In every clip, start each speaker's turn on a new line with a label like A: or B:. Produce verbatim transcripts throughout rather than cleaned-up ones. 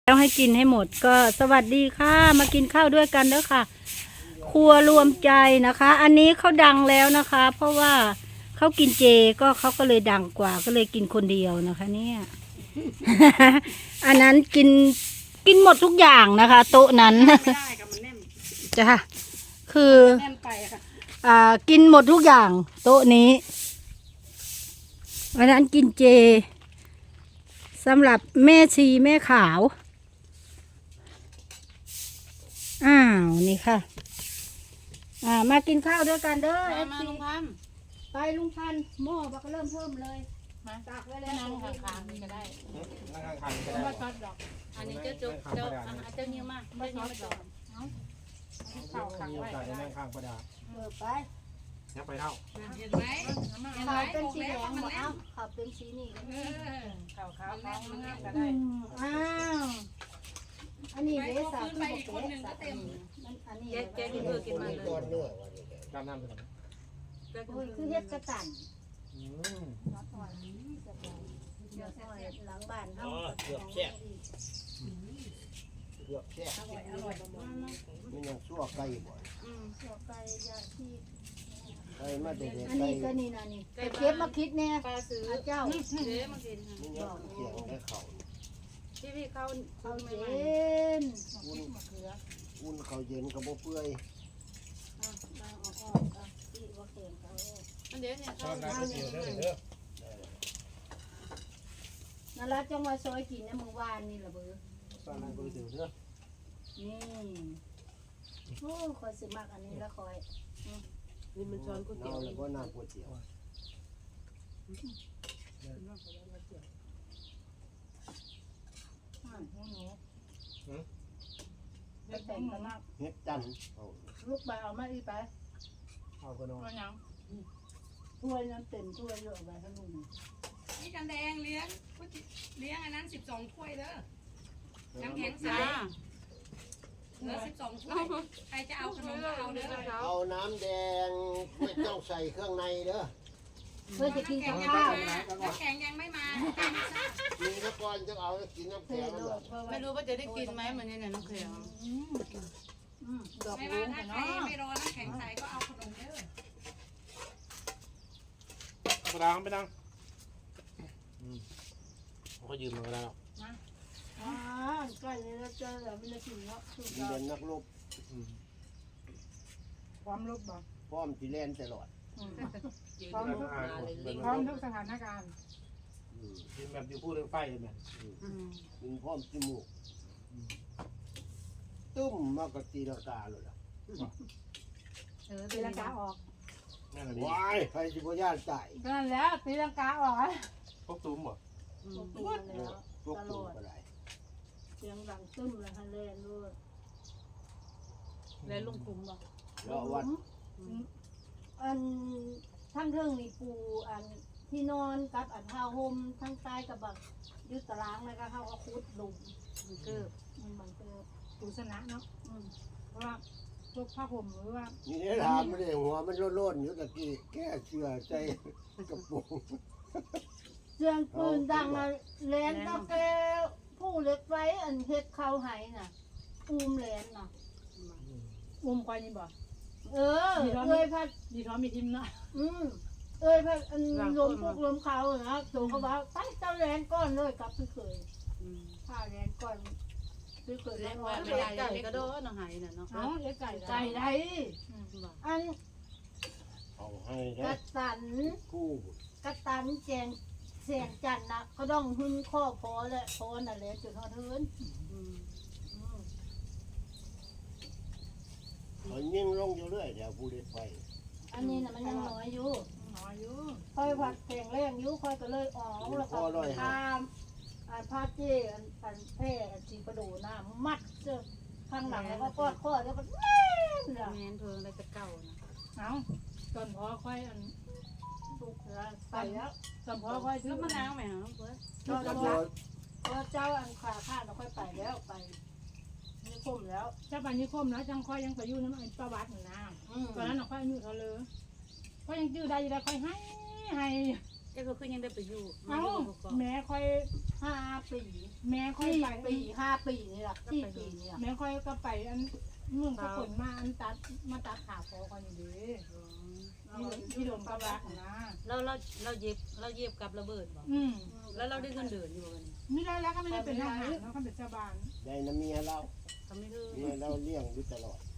A: แล้วให้กินให้หมดก็สวัสดีค่ะมากินข้าวด้วยกันเด้อค่ะครัวรวมใจนะคะ อันนี้เขาดังแล้วนะคะ เพราะว่าเขากินเจก็เขาก็เลยดังกว่าก็เลยกินคนเดียวนะคะเนี่ย อันนั้นกินกินหมดทุกอย่างนะคะ โต๊ะนั้น
B: ไม่ได้กับมันแน่น
A: จ้ะคือ
B: แน่นไปอะค่ะ
A: อ่ากินหมดทุกอย่างโต๊ะนี้อันนั้นกินเจสำหรับแม่ชีแม่ขาวอ้าวนี่ค่ะอ่ามากินข้าวด้วยกันเด้อ
B: มา
A: เอฟ
B: มา
A: ซี
B: ลุงพันธุ์
A: ไปลุงพันธุ์หม้อบักเริ่มเพิ่มเลย
B: มา
A: ตักไว้
B: แล้
A: แล้ว ว
B: นั่งข้างๆนี่ก็ได้
C: นั่งข้างๆก็
B: ไม่
C: ได้
B: ช็อตดอก อันนี้เจ้าจุกเจ้าอ่ะเจ้านิ้วมาเจ้านิ้วมาก่อนเอาเข่าขัง
C: มีโอ
B: ไว้
C: กาส
B: ก็
C: ได้
B: ได้
C: นั่งข้างประดา
A: เปิดไป
C: ยับไปเท่า
B: เห็นไหมเห็นไหม
A: ขาวเป็น
B: บอก
A: สี
B: แล้
A: แด
B: ว
A: ง
B: ว่ามัน
A: บ่
B: แน่
A: เอ้าน ขาวเป็นสีนี่
B: เออเข่าขาวท้องมันงามก็
A: อื
B: ได้
A: มอ้าวอันนี้เด้สาว
B: ไปอีกคนหนึ่งก็เต็ม
A: มันอันนี้
B: แกแกกินเพื่อกินมาเลย
C: ตามน้ำไปก่อน
A: โอ้ยคือเฮ็ดกระตัน
C: อืม
A: น้ำอ้อยเดี๋ยวอ้อยหลังบ้านเฮา
D: เกือบแซ่บเกือบแซ่บ
B: อร่อยอร่อยมาก
D: มันยังชั่วไก่บ่อย
B: อืม
A: เสือไก่ยาที่
D: ไก่มาแต่เด็ก
A: อัน
D: ไก่
A: นี้ก็นี่นะนี่ไปเก็บมาคิดเนี่ย
B: ปลาซื้อ
A: อาเจ้า
B: เจ๊มากิน
D: มันยังเสียงได้เข่า
B: ที่พี่เขา
A: เอา
B: ไม่
A: เจ
B: ไม่
A: น
D: อุ่นอุ่นเขาเย็นกับบ่เปื่อย
A: อ่ะเอาออกออกอ่ะที่ว่าเข็งเขา
B: อันเดี๋ยวเนี่ย
C: ชอ
B: เขา
C: บน้ำก๋วยเตี๋ยวเด้อเด้อ
A: นั่นละจังว่าซอยกินเนี่ยมื้อวานนี่ล่ะเบ้อ
C: ชอบน้ำก๋วยเตี๋ยวเด้อ
A: นี่โอ้คอยสิมักอันนี้ละคอย
B: นี่มันช้อนก๋วยเตี๋ยว
D: เอาแล้วก็น้ำก๋วยเตี๋ยว
A: อ่าหนูหนูไปแต่งกันมาก
D: เฮ็ดจันเอา
A: ลูกไปเอามาอีไป
C: เอาก็นอน
B: ก็ยัง
A: ถ้วยนั้นเต็มถ้วยเยอะไปให้ลุง
E: นี่กันแดงเลี้ยงก๋วยเตี๋ยวเลี้ยงอันนั้นสิบสองถ้วยเด้อ น้ำแข็งใส
B: จ้า
E: เหลือสิบสองถ้วย ใครจะเอาขนมก็เอาเด้อ
D: เอาน้ำแดงไม่ต้องใส่เครื่องในเด้อ
A: เพื่อจะกิน
E: น้ำ
A: กับ
E: แข็งยัง
A: ข้าว
E: ไม่มาน้ำแข็งยังไม่มายังไม่ทราบ
D: มีตะกอนจะเอากินน้ำ
A: เท
D: แข็ง
A: โล
D: เหรอ
A: ดเพราะว่า
B: ไม่รู้ว่าจะได้กินไหมมันนี่เนี่ยน้องเขียว
A: อืมอืมดอก
E: ไม่
A: รุ้
E: มาง ถ้าใคร
A: เนาะ
E: ไม่รอน้ำแข็งใสก็เอาขนมเด้อ
C: ประดาไปนั่งอืมเขายืมมาก็ได้หรอก
A: อ่าใกล้เลยแล้วเจอแล้วไม่ได้กินเนาะสุด
D: มี
A: ยอ
D: เรีย
A: ด
D: นนักรบ
C: อืม
A: ความลบบ่
D: พร้อมสิแล่นตลอด
C: พร้อมทุกอ่านเป็น
A: พร้อมทุกสถานการณ์
D: อืม
C: กินแบบอยู่พูดเรื่องไฟเลยเนี่ย
D: กินพร้อมจมูกตุ้มมากกตีลังกาเลยล่ะ
B: เออ
A: ตีลังกาออก
C: นั่นแหละดี
D: ว้ายใครสิบ่ย่านตาย
A: นั่นแล้วตีลังกาออก
C: พวกตุ้มบ่
A: ตีแล้ว
D: พวกตุ้มก็ได้
A: เสียงดังตึ้มเลยฮะเล่นด้วย
B: แล้วลุงคุ้มบอก
D: แล้ววัด
A: อันทั้งเทิงนี่ปูอันที่นอนกับอันผ้าห่มทั้งใต้กับแบบยึดตารางแล้วก็เขาเอาคุดหลุม
B: คือ
A: มันมันเจอ
F: ปูชนะเนาะ
A: อืม
F: เพราะว่าพวกผ้าห่มหรือว่า
D: นี่ได้ถามไม่ได้หัวมันโล่นๆอยู่ตะกี้แก้เชื่อใจกระปุก
A: เสียงปืนดังอะแหลนตะแกผู้เล็กไฟอันเฮ็ดเข้าไหน่ะอูมแหลนน่ะ
F: อุ้มควายนี่บ่
A: เออเอ้ยพัด
F: ดีท้อมีทิมเนาะ
A: อืมเอ้ยพัดอันลมพวกลมเขานะตัวเขาว่าไปเจ้าแหลนก้อนเลยกับพี่เคยถ้าแหลนก้อนพี่เคย
B: เลี้
A: แล้
B: ยง
A: ว
B: ไว้
A: ว่า
B: ไม่ได้เล็กก็โดนน้องหายน่ะเนาะ
F: เอ้าเลี้ยงไก่
A: ไก่ได
B: บอก
A: อัน
D: เอาให้
A: ก
D: ได้
A: ระตัน
D: คู่
A: กระตันแจงเสียงจันนะก็ต้องหึ้นข้อพอและพอน่ะแหละจุดทอดเทิน
B: อืม
A: อืม
D: เขายิ่งลงอยู่เรื่อยเดี๋ยวผู้เด็กไฟ
A: อันนี้น่ะมันยังน้อยอยู่
F: หออยู่
A: ค่อยผัดแข็งแรงอยู่ค่อยก็เลยออกแล้วก็ตามอันผ้าเจ้อันอันแพร่อันสีประดูน้ำมัดเสื้อข้างหลังแล้วก็กอดข้อแล้วก็แน่นเลย
B: แมนเพิงอะไรจะเก่านะ
F: เอ้าตอนพอค่อยอัน
A: ถูกแล้วไปแล้ว
F: ตอนพอค่อยซื้
B: แล้
F: อ
B: วมะ
F: มะนาน
B: าว วไหมฮะเพื่อน
A: ก็
D: กระ
A: แล้ว
D: โดด
A: พอเจ้าอันขาข้าเราค่อยไปแล้วไปนี่คุ้มแล้ว
F: เจ้าปันนิคมแล้วจังค่อยยังไปอยู่น้ำไอ้ประวัตินะ
A: อืม
F: ตอนนั้นค่อยอายุเขาเลยค่อยยังจื้อได้อยู่ได้ค่อยให้ให้
B: เจ้าก็คือยังได้ไปอยู่
F: เอ้าแม่ค่อยให้
A: ห้าปี
F: แม่ค่อย
A: สี่
F: ไป
A: ปีห้าปีนี่แหละสี่ปีนี่แหละ
F: แม่ค่อยก็ไปอันเมืองสกลมาอันตัดมาตัดขาคอกันอยู่ดีที่ที่โดนกระบะนะ
B: เราเราเราเย็บเราเย็บกับระเบิดบ่
F: อืม
B: แล้วเราได้เงินเดือนอยู่บ่กัน
F: ไม่ได้แล้วก็ไม่ได้เป็นทหารแล้วก็เป็นชาวบ้าน
D: ได้น้ำเมียเรา
B: เขาไม่รู้
D: เมียเราเลี้ยงอยู่ตลอด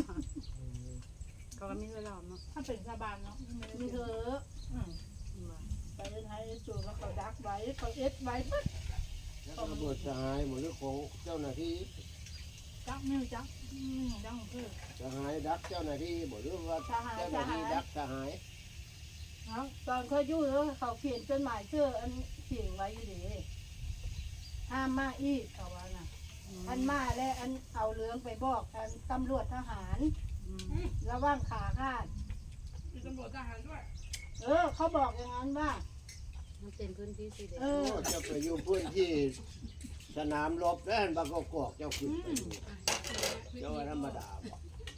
B: เขาก็ไม่รู้เราเนาะ
F: ถ้าเป็นชาวบ้านเนาะไม่ได้
A: มีเธ
F: เป็น
A: อ
F: อืม
A: ไปเล่นไฮจูแล้วเขาดักไว้เขาเอ็ดไว้ปึ๊บ
D: แล้วก็ระเบิดสหายหมดเรื่องของเจ้าหน้าที่
F: จักมิวจักอืมจังคือ
D: สหายดักเจ้าหน้าที่หมดเรื่องว่าเจ้าหน้าที่ดักสหาย
A: เนาะตอนเขาอยู่แล้วเขาเขียนจดหมายเชื่ออันเขียนไว้อยู่ดีห้ามมาอีกเขาว่าน่ะอันมาและอันเอาเรื่องไปบอกอันตำรวจทหารระว่างขาขาด
E: มีตำรวจทหารด้วย
A: เออ เขาบอกอย่างนั้นว่า
B: มันเป็นพื้นที่สีแดง
A: เออ
D: โอ้เจะไปอยู่พื้นที่สนามรบแล้วบางกอกเจ้าขึ้นไปอยู่เจ้าว่าธรรมดาบอก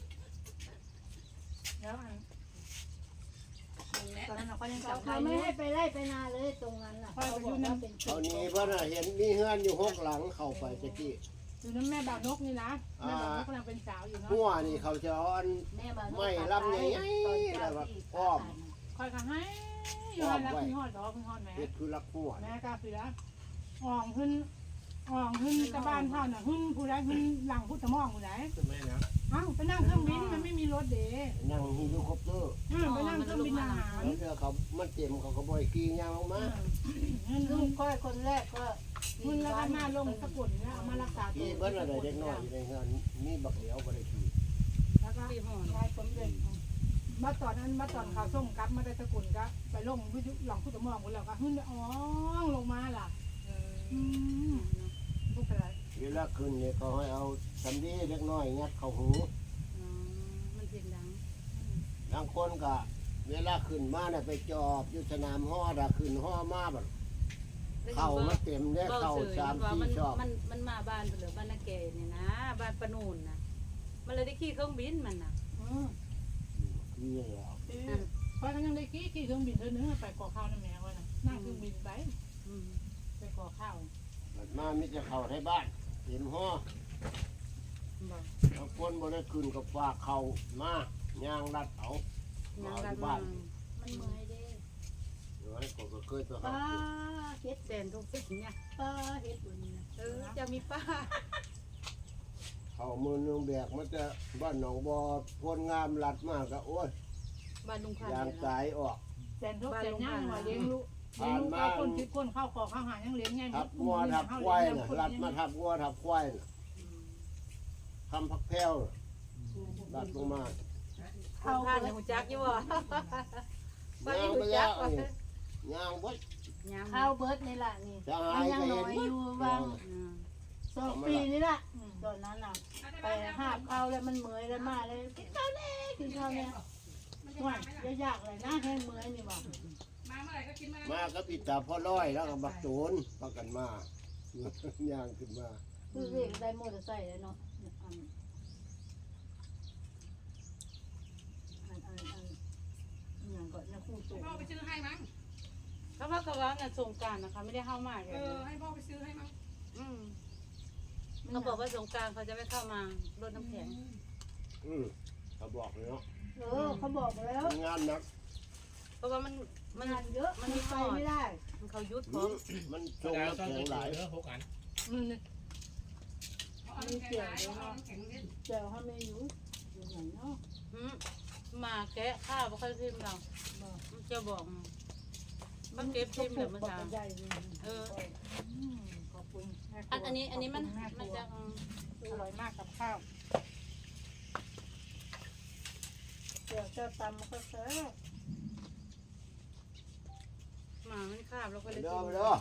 F: แล้วอัน
A: ตอนนั้นเขายังจำเขาไม่ให้ไปไล่ไปนาเลยตรงนั้นน่ะเขาบอกว่าเป็น
D: เขานี้เพราะน่ะเห็นมีเฮือนอยู่หกหลังเข้าไปตะกี้
F: อยู่นั้นแม่บ่าวนกนี่นะแม่บ่าวนกกำลังเป็นสาวอยู่เนาะ
D: หัวนี่เขาจะเอาอัน
A: แม่มา
D: ไม่รับไงแล้วแบบอ้อม
F: คอยก็ให้ย้อนแล้วพี่ฮอดดอกพี่ฮอดแม่
D: เฮ็ดคือรักหัว
F: แม่กาเสืออ่องขึ้นอ่องขึ้นกระบ้านเท่าน่ะขึ้นผู้ใดขึ้นหลังพุทธมองผู้ใด
C: ขึ้นไหมนะ
F: เอ้าไปนั่งเครื่องบินมันไม่มีรถเด้
D: นั่งฮีโร่คอปเตอร์
F: อืมไปนั่งเครื่องบินทหาร
D: แล้วเดี๋ยวเขามันเต็มเขาก็บ่อยกี่ยางออกมา
F: อืม
A: ลูกก้อยคนแรกก็
F: ขึ้นแล้วก็มาลงสกุลเนี่ยเอามารักษาตัว
D: กี่เบิ้ลอะไรเด็กน้อยอยู่ในเฮือนมีบักเหลียวบ่ได้ขี่
F: แล้วก็
B: ปีห่อน
F: ชายสมเด็จมาตอนนั้นมาตอนเขาส่งกลับมาได้สกุลก็ไปลงวิทยุหลังพุทธมองคนแล้วก็ขึ้นอ๋อลงมาล่ะอืมพวกอะไร
D: เวลาขึ้นเนี่ยเขาให้เอาสำลีเล็กน้อยงัดเข้าหู
B: มันเสียงดัง
D: บางคนก็เวลาขึ้นมาเนี่ยไปจอบอยู่สนามฮอดอะขึ้นฮอมาแบบเข่ามันเต็มได้เข่าสามสี่ชอบ
B: มันมันมาบ้านเหลือบ้านนาแกเนี่ยนะบ้านปนูนนะมันเลยได้ขี่เครื่องบินมันนะ
D: นี่แล้ว
F: เพราะฉะนั้นยังได้ขี่ขี่เครื่องบินเธอเนื้อไปก่อข้าวนั่นแม่ว่านะนั่งเครื่องบินไปไปก่อข้าว
D: บัดมามิจะเข้าในบ้านเต็มฮอบางคนบ่ได้ขึ้นกับฝากเข่ามายางรัดเอา
B: ยัง
D: เอา
B: รั
D: ที่
B: ด
D: บ้าน
A: มันเมื่อยเด้
D: เดี๋ยวให้ผมก็เคยตัว
A: ป้า
D: หา
A: เฮ็ด
B: แสนทุกสิ่งเนี่ย
A: ป้าเฮ็ดบุญนะ
B: เออจะมีป้า
D: เขามือหนึงแบกมันจะบ้านหนองบอพ้นงามรัดมากก็โอ้ย
B: บ้านลุงพัน
D: ยาง
B: ธุ์
D: สายออก
F: แสนทุกแสนย่างมาเลี้ยงลูกเลี้ยงลูกเอาคนคิดคนเข้าขอข้าวหายังเลี้ยงไง
D: ทับงัวทับควายน่ะรัดมาทับงัวทับควายน่ะทำผักแพรวน่ะรัดลงมา
B: ลุงพันธุ์หูจักอยู่บ่บ้าน
D: ย่าง
B: หู
D: ไป
B: จั
D: แล้
B: ก
D: ว
B: บ่
D: นี่ย่างวัด
B: ยัง
A: ข้าวเบิร์ดนี่แหละนี่
D: จะ
A: มั
D: หาน ย
A: ยัง
D: ก็
A: น้
D: เห็น
A: อยอยู่บางสองปีนี่แหละตอนนั้นน่ะ ไปหาบข้าวแล้วมันเมื่อยแล้วมาเลยกินข้าวแน่กินข้าวแน่
E: มันจะ
A: ห่ว
E: มาย ไหมล่ะ
A: ยากๆเลยนะแห้งเมื่อยนี่บอก
E: มาเมื่อไหร่ก็กินเมื่อ
D: มา
E: นั้น
D: ก็ปิดตาพ่อร้อยแล้วก็บักโจนปักกันมา ย่างขึ้นมา
A: คือเรียกได้มอเตอร์ไซค์แล้วเนาะอันอันอันอันอย่างก่อนนะคู่ตัว
E: ให้พ่อไปซื้อให้มั้ง
B: เขาว่าก็ว่าน่ะสงกรานต์นะคะไม่ได้เข้ามาเล
E: เอย อให้พ่อไปซื้อให้มั้ง
B: อืมเขาบอกว่าสงกรานต์เขาจะไม่เข้ามารดน้ำแข็ง
D: อืมเขาบอกเลยเนาะ
A: เออเขาบอกแล้ว
D: งานหนัก
B: เพราะว่ามันมัน
A: งานเยอะมันไปไม่ได้
B: มันเขายุดพ
D: อื
B: ร้อม
D: มมันทรงน้ำแข็งหลาย
C: หกอัน
F: อืม
E: เอาน้ำแข็งไหลเอาน้ำแข็งเล่น
A: เจ้าเขาไม่อยู่อยู่ไหนเนาะ
B: อืมมาแกะข้าวบ่ค่อยทิมเราจะบอกมันเก็บทิมเหลือเมื่อเช้า
A: ใหญ่เลย
B: เออ
F: ขอบคุณ
B: อันอันนี้อันนี้มันมันจะ
F: อร่อยมากกับข้าว
A: เดี๋ยวจะตำก็แซ่บ
B: หมามันคาบแล้วก็เลย
D: เด้
B: กิ
D: อน ไปเด้อ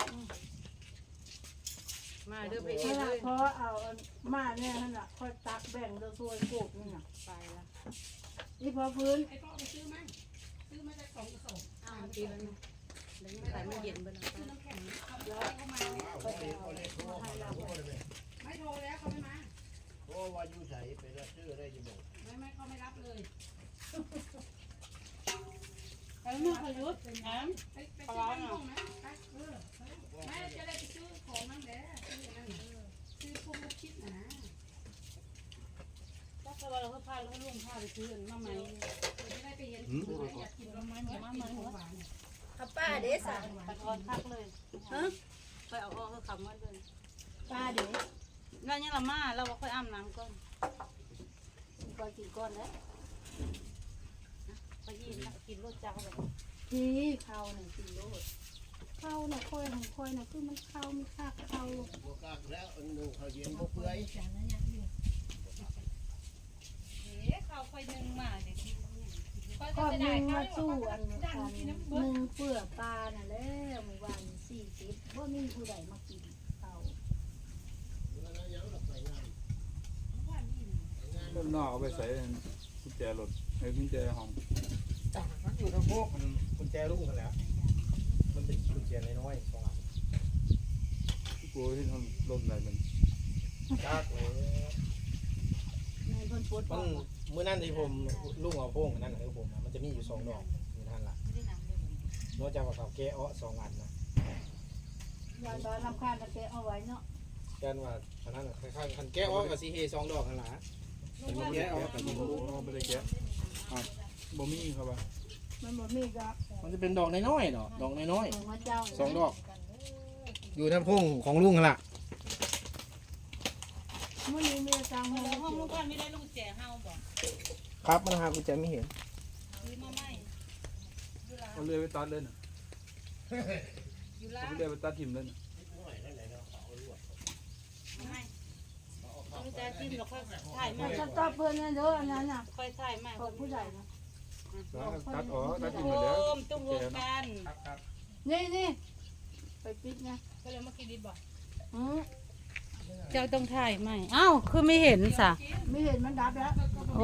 B: มาเด้อไป
A: เว
B: เอง
A: ลา
B: เลย
A: เพราะเอามาเนี่ยนั่นแหละค่อยตักแบ่งเดือซวยโกบนี่น่ะ
B: ไปละ
A: นี่พอพื้น
E: ให้พ่อไปซื้อมั้งซื้อมาจากสองกระสอบ
B: อ้าวปีแล้วนะเดี๋ยวใส่มันเย็นไปแล้ว
E: ซื้อน้ำแข็งเอาเดี๋ยวเขามาเนี่ย
A: ก็จะเอามาให้เรา
E: ไม่โทรแล้วเขาไม่มา
D: โอ้ว่าอยู่ใส่ไปรับซื้อได้อยังบอก
E: ไม่ไม่เขาไม่รับเลย
B: ไปเมื่อพายุแถม
E: ไปไปซื้อบ้านห้องนะไปเออแม่จะได้ไปซื้อของ
B: ข้าวไปซื้อมาใหม่
E: ไม่ได้ไปเห็น
C: หืม
E: อยากกินต้นไม้เหมือนมาใหม่หัวหวาน
A: เอาป้าเด้สั่ง
B: ไปทอนคักเลย
A: ฮะ
B: ไปเอาออกเขาคำว่าเลย
A: ป้าเด้
B: แล้วยังละมาเราค่อยอาบน้ำก่อน
A: ก่อนกินก้อนแล้ว
B: ไปยินนะกินรสจังแบบ
A: พี่ข้าวหนึ่งกิโลข้าวน่ะค่อยของค่อยน่ะคือมันข้าวมีค่าข้าว
D: บวกกักแล้วอันหนึ่งเขาเย็นบกเปื่อย
E: เอ๊ะข้าวไฟหนึ่งมาเดี๋ยวกิน
A: ข้าวหนึ่งมาสู้อันอันหนึ่งเปลือกปลาน่ะแล้วเมื่อวานสี่สิบว่ามีผู้ใดมากินข้าว
D: แล้วยังหลับไปงาน
G: ต้นนอกเอาไปใส่กุญแจรถไอ้กุญแจห้อง
C: มันอยู่ทั้งพวกมันกุญแจลูกกันแล้ว มันเป็นกุญแจน้อยๆสองอัน
G: กูที่ทำรถอะไรมัน
C: ยากเลย
A: ในเพิ่นปวด
C: มัน เมื่อนั้นที่ผมลุงเอาโป้งอันนั่นคือผมอะมันจะมีอยู่สองดอกอยู่ท่านละนอกจากว่าเขาแก้อ้อสองอันนะ
A: ยายบ้านลำคาญตะแกเอาไว้เนาะ
C: กันว่าอันนั้นน่ะคล้ายๆคันแก้อ้อกับซีเฮสองดอกกันละมันบ่แก้อ้อกับ
G: โอ้โหไม่ได้แกะอ่ะบ่มีครับว่า
A: มันบ่มีก็
C: มันจะเป็นดอกน้อยๆดอกดอกน้อย
A: ของพระเจ้า
C: ๆสองดอก อยู่ทั้งพงของลุงกันละ
A: มื้อนี้มีจัง
B: ห้
A: ห้
B: อ
A: อง ง
B: ลูกบ้านไม่ได้ลูกแจเฮาบอก
C: ครับมันหากุญแจไม่เห็น
B: ซื้อมาใหม่
G: เอาเรือไปตัดเลยน่ะ
E: อยู่
G: เอา
E: ล่าง
G: เรือไปตัดทิ่มเลยน่ะ
B: ไม่ลูกแจจิ้มแล้วค่อยถ่ายใหม่
A: มันจะตอบเพิ่นนั่นเด้ออันนั้นน่ะ
B: ค่อยถ่ายใหม่
A: ของผู้ใหญ่นะ
G: ตัดออกตัดทิ่ม
B: โอ
G: ไปแล้ว
B: มตุ้มรวมกัน
A: นี่นี่ไปปิดนะ
E: ก็เลยมากินดิบบ่
A: อือ
B: เจ้าต้องถ่ายใหม่อ้าวคือไม่เห็นสะ
A: ไม่เห็นมันดับแล้ว